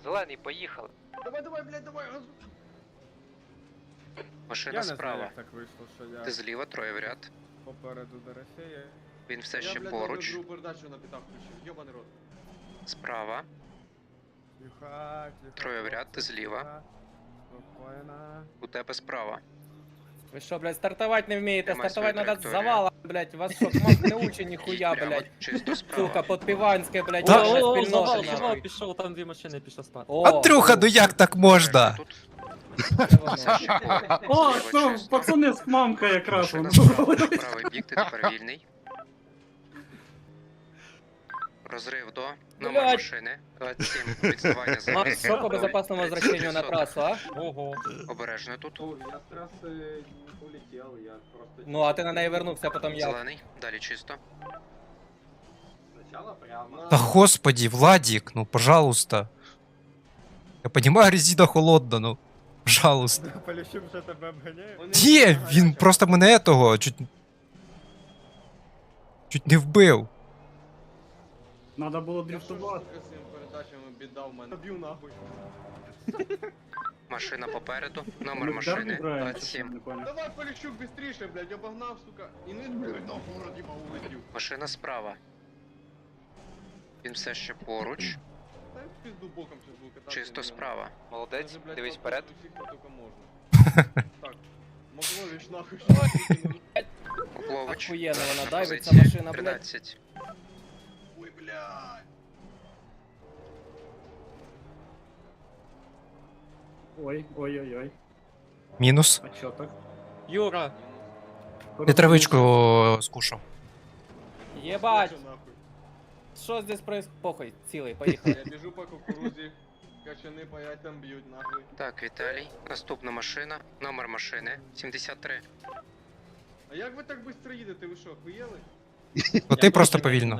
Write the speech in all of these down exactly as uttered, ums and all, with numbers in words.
Зелений, поїхали. Давай, давай, блядь, давай, газу. Машина Я не знаю, справа. як так вийшло, що я Ти зліва, троє в ряд. попереду Дорофея. Він все Я, ще блядь, поруч. другу передачу на п'ятах включив, йобаний рот. Справа. Тихо, тихо. Троє в ряд, ти хлопці, зліва. тихо. Спокійно. У тебе справа. Ви що, блядь, стартувати не вмієте? Тримай Стартувати свою надо з траєкторію. завала, блядь. Вас що, кмак не учить ніхуя, Прямо, блядь. чисто справа. Сука, подпіванське, блядь, Та- наша О, спільнота, завал, нахуй. завал пішов, там дві машини пішов спати. О, Андрюха, ну як так можна? Тут це воно. все ще поруч. О, Зліва ну, чисто. пацани з мамка якраз. Машина воно. справа. Правий бік, ти тепер вільний. Розрив до номер Блядь. машини. двадцять сім. Відставання за Макс, що по безопасному возвращению на трассу, а? Ого. Обережно тут. Ну, я з траси не улетів, я просто... Ну, а ти на неї вернувся, потім я. Зелений. Далі чисто. Спочатку прямо. Да господи, Владик, ну пожалуйста. Я понимаю, резина холодна, ну. Пожалуйста. Поліщук вже тебе обганяє? Вони Ні, гарячі. він просто мене того чуть. Чуть не вбив. Надо було Я що ж, дрифтувати. сука, з цими передачами біда в мене. Б'ю нахуй. Машина попереду. Номер Ну, машини. вдарний Брайан, двадцять що ти сім. не поняв. Давай, Поліщук, быстріше, блядь, обогнав, сука. І не блядь, нахуй, вроді мав улетів. Машина справа. Він все ще поруч. Та й в пизду боком сейчас буду кататися. Чисто блядь. справа. Молодець, Даже, блядь, дивись попасть вперед. у всіх, хто тільки можна. Так, Маклович нахуй, що викинув. Поплович. Охуєнно вона На дайвиться, позиції машина, блядь. тринадцять. Ой, блядь. Ой, ой, ой, ой. Мінус. А чо так? Юра, Я травичку скушав. Єбать, Що нахуй? що здесь происходит? Похуй, цілий, поїхали. Я біжу по кукурузі, качани паять там б'ють нахуй. Так, Віталій. Наступна машина. Номер машини. сімдесят три. А як ви так швидко їдете, ви що, охуєли? Ну ти просто повільно.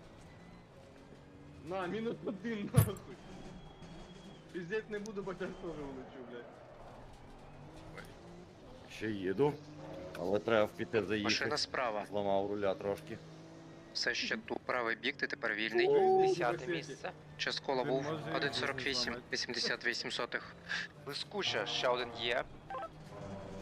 На, мінус один нахуй. Пиздеть не буду, бо я теж улечу, блядь. Ще їду, але треба в піти Машина заїхати. справа. Зламав руля трошки. Все ще тут. Правий бік, ти тепер вільний. Десяте місце. Час кола Він був може один сорок вісім. зламати. вісімдесят вісім сотих. Блискуча, ще один є.